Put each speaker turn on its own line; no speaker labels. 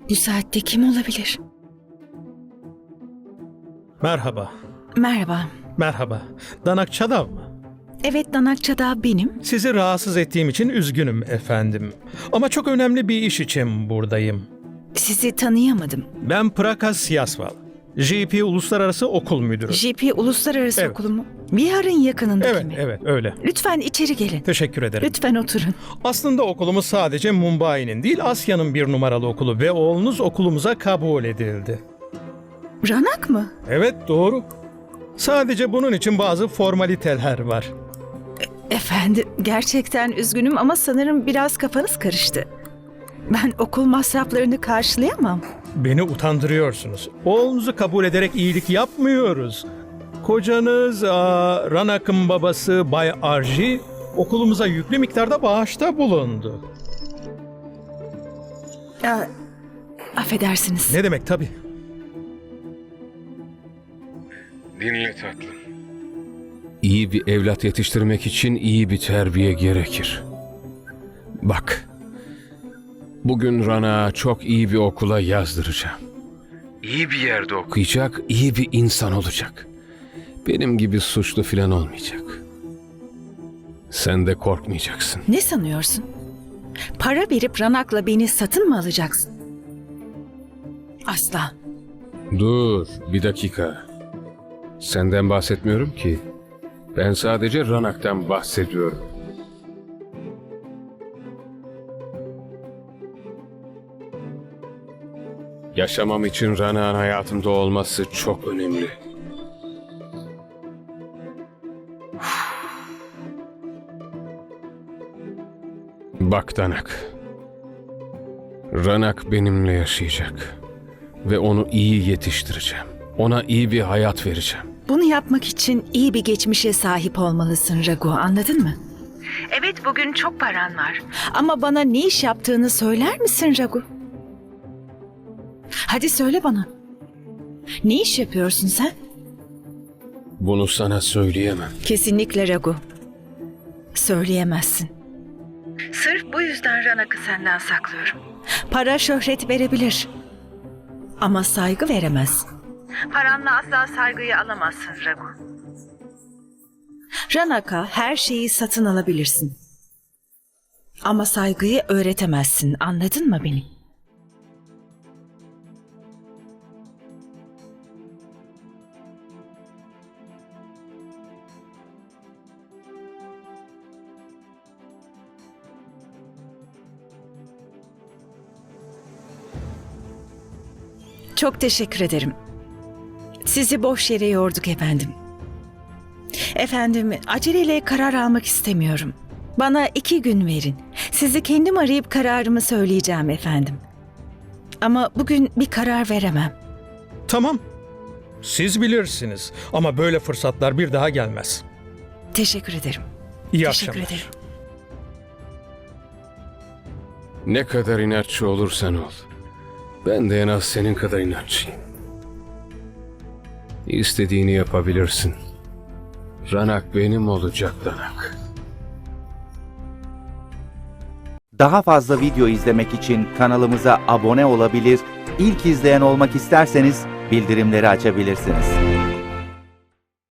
Bu saatte kim olabilir?
Merhaba.
Merhaba.
Merhaba. Danak Çadav mı?
Evet, Danak Çadav benim.
Sizi rahatsız ettiğim için üzgünüm efendim. Ama çok önemli bir iş için buradayım.
Sizi tanıyamadım.
Ben Prakas Yasval. JP Uluslararası Okul Müdürü.
JP Uluslararası
Evet.
Okulu mu? Bihar'ın yakınındaki
Evet,
mi?
evet öyle.
Lütfen içeri gelin.
Teşekkür ederim.
Lütfen oturun.
Aslında okulumuz sadece Mumbai'nin değil Asya'nın bir numaralı okulu ve oğlunuz okulumuza kabul edildi.
Ranak mı?
Evet doğru. Sadece bunun için bazı formaliteler var.
Efendim, gerçekten üzgünüm ama sanırım biraz kafanız karıştı. Ben okul masraflarını karşılayamam.
Beni utandırıyorsunuz. Oğlunuzu kabul ederek iyilik yapmıyoruz. Kocanız Ranak'ın babası Bay Arji okulumuza yüklü miktarda bağışta bulundu.
Affedersiniz.
Ne demek tabii.
Dinle tatlım. İyi bir evlat yetiştirmek için iyi bir terbiye gerekir. Bak, bugün Rana çok iyi bir okula yazdıracağım. İyi bir yerde okuyacak, iyi bir insan olacak. Benim gibi suçlu filan olmayacak. Sen de korkmayacaksın.
Ne sanıyorsun? Para verip Ranak'la beni satın mı alacaksın? Asla.
Dur, bir dakika. Senden bahsetmiyorum ki. Ben sadece Ranak'tan bahsediyorum. Yaşamam için Ranak'ın hayatımda olması çok önemli. Bak Danak. Ranak benimle yaşayacak. Ve onu iyi yetiştireceğim. Ona iyi bir hayat vereceğim.
Bunu yapmak için iyi bir geçmişe sahip olmalısın Ragu, anladın mı? Evet, bugün çok paran var. Ama bana ne iş yaptığını söyler misin Ragu? Hadi söyle bana. Ne iş yapıyorsun sen?
Bunu sana söyleyemem.
Kesinlikle Ragu. Söyleyemezsin. Sırf bu yüzden Ranak'ı senden saklıyorum. Para şöhret verebilir. Ama saygı veremez. Paranla asla saygıyı alamazsın Ragu. Ranak'a her şeyi satın alabilirsin. Ama saygıyı öğretemezsin. Anladın mı beni? Çok teşekkür ederim. Sizi boş yere yorduk efendim. Efendim, aceleyle karar almak istemiyorum. Bana 2 gün verin. Sizi kendim arayıp kararımı söyleyeceğim efendim. Ama bugün bir karar veremem.
Tamam. Siz bilirsiniz ama böyle fırsatlar bir daha gelmez.
Teşekkür ederim.
İyi
Teşekkür
akşamlar.
ederim.
Ne kadar inatçı olursan ol. Ben de en az senin kadar inatçıyım. İstediğini yapabilirsin. Ranak benim olacak Danak.
Daha fazla video izlemek için kanalımıza abone olabilir, ilk izleyen olmak isterseniz bildirimleri açabilirsiniz.